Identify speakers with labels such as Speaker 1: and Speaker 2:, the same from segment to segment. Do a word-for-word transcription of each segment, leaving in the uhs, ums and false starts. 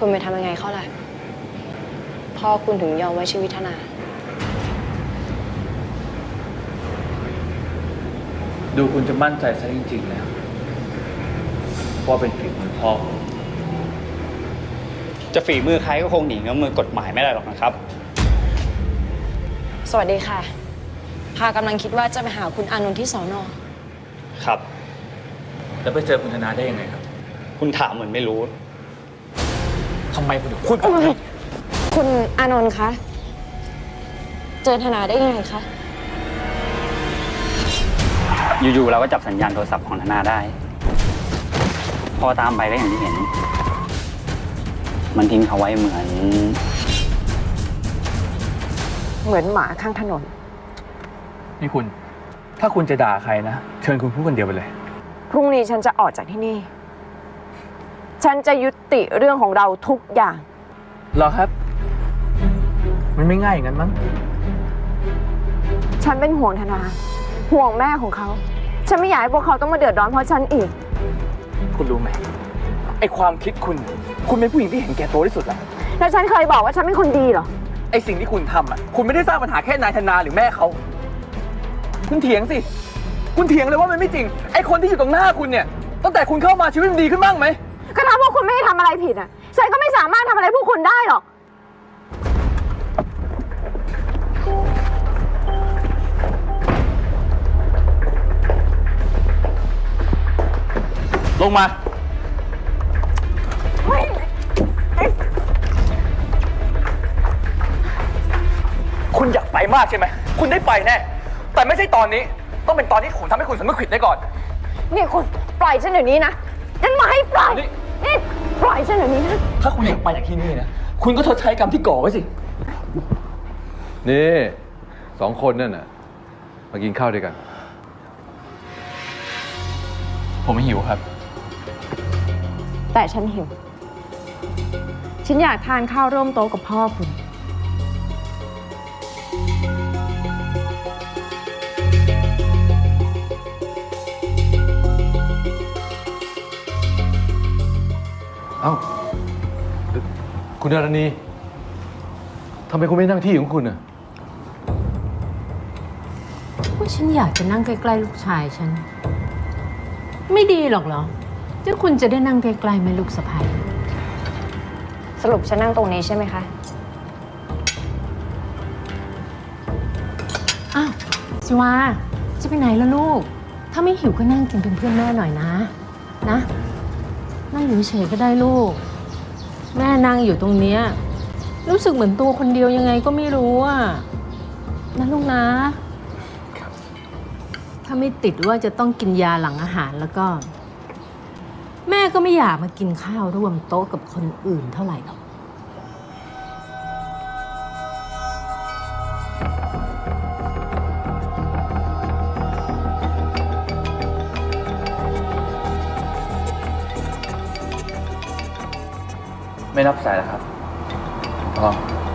Speaker 1: คุณไปทำยังไงเขาล่ะพ่อคุณถึงยอมไว้ชีวิตธนา
Speaker 2: ดูคุณจะมั่นใจซะจริงๆแล้วว่าเป็นฝีมือพ่อ
Speaker 3: จะฝีมือใครก็คงหนีเงื้อมือกฎหมายไม่ได้หรอกนะครับ
Speaker 1: สวัสดีค่ะพากำลังคิดว่าจะไปหาคุณอานนท์ที่สอนอ
Speaker 3: ครับ
Speaker 2: แล้วไปเจอคุณธนาได้ยังไงครับ
Speaker 3: คุณถามเหมือนไม่รู้
Speaker 2: ทำไมคุณถึงพูดแบบนี้
Speaker 1: คุณอานนท์คะเจอธนาได้ยังไงคะ
Speaker 3: อยู่ๆเราก็จับสัญญาณโทรศัพท์ของธนาได้พอตามไปก็อย่างที่เห็นมันทิ้งเขาไว้เหมือน
Speaker 1: เหมือนหมาข้างถนน
Speaker 2: นี่คุณถ้าคุณจะด่าใครนะเชิญคุณพูดคนเดียวไปเลย
Speaker 1: พรุ่งนี้ฉันจะออกจากที่นี่ฉันจะยุติเรื่องของเราทุกอย่าง
Speaker 2: หรอครับมันไม่ง่ายอย่างนั้นมั้ง
Speaker 1: ฉันเป็นห่วงธนาห่วงแม่ของเขาฉันไม่อยากให้พวกเขาต้องมาเดือดร้อนเพราะฉันอีก
Speaker 2: คุณรู้ไหมไอความคิดคุณคุณเป็นผู้หญิงที่เห็นแก่ตัวที่สุดแล้ว
Speaker 1: แล้วฉันเคยบอกว่าฉันเป็นคนดีเหรอ
Speaker 2: ไอสิ่งที่คุณทำอ่ะคุณไม่ได้สร้างปัญหาแค่นายธนาหรือแม่เขาคุณเถียงสิคุณเถียงเลยว่ามันไม่จริงไอคนที่อยู่ตรงหน้าคุณเนี่ยตั้งแต่คุณเข้ามาชีวิตมันดีขึ้นบ้างไหม
Speaker 1: ก็ถ้าพวกคุณไม่ได้ทำอะไรผิดอ่ะฉันก็ไม่สามารถทำอะไรพวกคุณได้หรอก
Speaker 2: ลงมาคุณอยากไปมากใช่ไหมคุณได้ไปแน่แต่ไม่ใช่ตอนนี้ต้องเป็นตอนที่ผมทำให้คุณสำนึกผิดได้ก่อน
Speaker 1: นี่คุณปล่อยฉันเดี๋ยวนี้นะฉันมาให้ปล่อยนี่ปล่อยฉันเดี๋ยวนี้นะ
Speaker 2: ถ้าคุณอยากไปจากที่นี่นะคุณก็ชดใช้กรรมที่ก่อไว้สิ
Speaker 4: นี่สองคนนั่นน่ะมากินข้าวด้วยกัน
Speaker 2: ผมไม่หิวครับ
Speaker 1: แต่ฉันหิวฉันอยากทานข้าวร่วมโต๊ะกับพ่อคุณ
Speaker 4: เอ้าคุณดารณีทำไมคุณไม่นั่งที่ของคุณน่ะ
Speaker 5: ว่าฉันอยากจะนั่งใกล้ๆลูกชายฉันไม่ดีหรอกเหรอเจ้าคุณจะได้นั่งใกล้ๆแม่ลูกสะใภ้
Speaker 1: สรุปฉันนั่งตรงนี้ใช่ไหมคะ
Speaker 5: อ้าวสิวาจะไปไหนล่ะลูกถ้าไม่หิวก็นั่งกินเป็นเพื่อนแม่หน่อยนะนะนั่งอยู่เฉยก็ได้ลูกแม่นั่งอยู่ตรงเนี้ยรู้สึกเหมือนตัวคนเดียวยังไงก็ไม่รู้อ่ะนะลูกนะถ้าไม่ติดว่าจะต้องกินยาหลังอาหารแล้วก็แม่ก็ไม่อยากมากินข้าวร่วมโต๊ะกับคนอื่นเท่าไหร่หรอก
Speaker 2: ไม่รับสายแล้วครับอ๋อ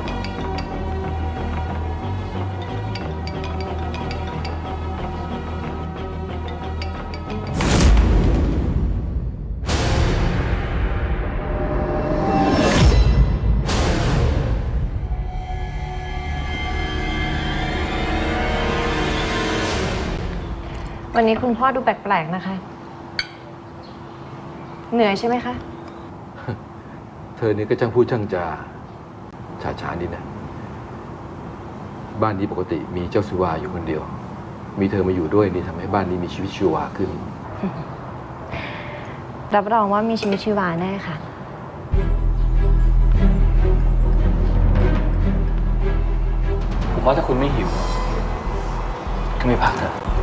Speaker 1: วันนี้คุณพ่อดูแปลกๆนะคะเหนื่อยใช่ไหมคะ
Speaker 4: เธอนี่ก็ช่างพูดช่างจาฉาฉานดีนะบ้านนี้ปกติมีเจ้าสุวาอยู่คนเดียวมีเธอมาอยู่ด้วยนี่ทำให้บ้านนี้มีชีวิตชีวาขึ้น
Speaker 1: รับรองว่ามีชีวิตชีวาแน่ค่ะ
Speaker 2: ผมว่าถ้าคุณไม่หิวก็ไม่พักเถอะ